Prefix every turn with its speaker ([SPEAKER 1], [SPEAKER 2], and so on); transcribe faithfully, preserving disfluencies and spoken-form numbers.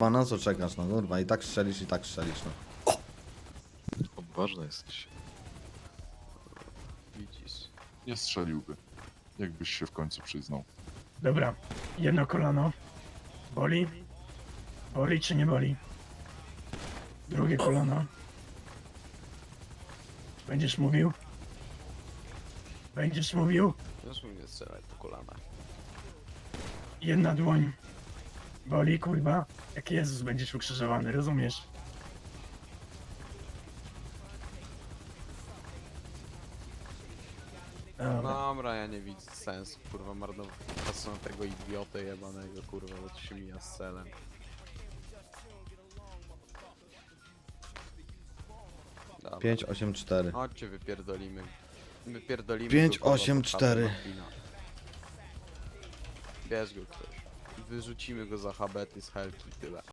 [SPEAKER 1] A na co czekasz, no kurwa, i tak strzelisz, i tak strzelisz, no.
[SPEAKER 2] Odważny jesteś.
[SPEAKER 3] Widzisz.
[SPEAKER 4] Nie strzeliłby. Jakbyś się w końcu przyznał.
[SPEAKER 5] Dobra, jedno kolano. Boli? Boli czy nie boli? Drugie kolano. Będziesz mówił? Będziesz mówił?
[SPEAKER 3] Już mi nie strzelaj po kolanach.
[SPEAKER 5] Jedna dłoń. Boli, kurwa? Jak Jezus będziesz ukrzyżowany, rozumiesz? Dobra.
[SPEAKER 3] Dobra, ja nie widzę sensu, kurwa, marnować czasu na tego idiotę jebanego, kurwa, bo to się mija z celem. Dobra.
[SPEAKER 1] pięć, osiem, cztery.
[SPEAKER 3] Chodźcie, wypierdolimy. Wypierdolimy
[SPEAKER 1] pięć,
[SPEAKER 3] go, kurwa,
[SPEAKER 1] osiem,
[SPEAKER 3] pod
[SPEAKER 1] cztery.
[SPEAKER 3] chatę Martina. Bierz go ktoś. Wyrzucimy go za habety z helki i tyle.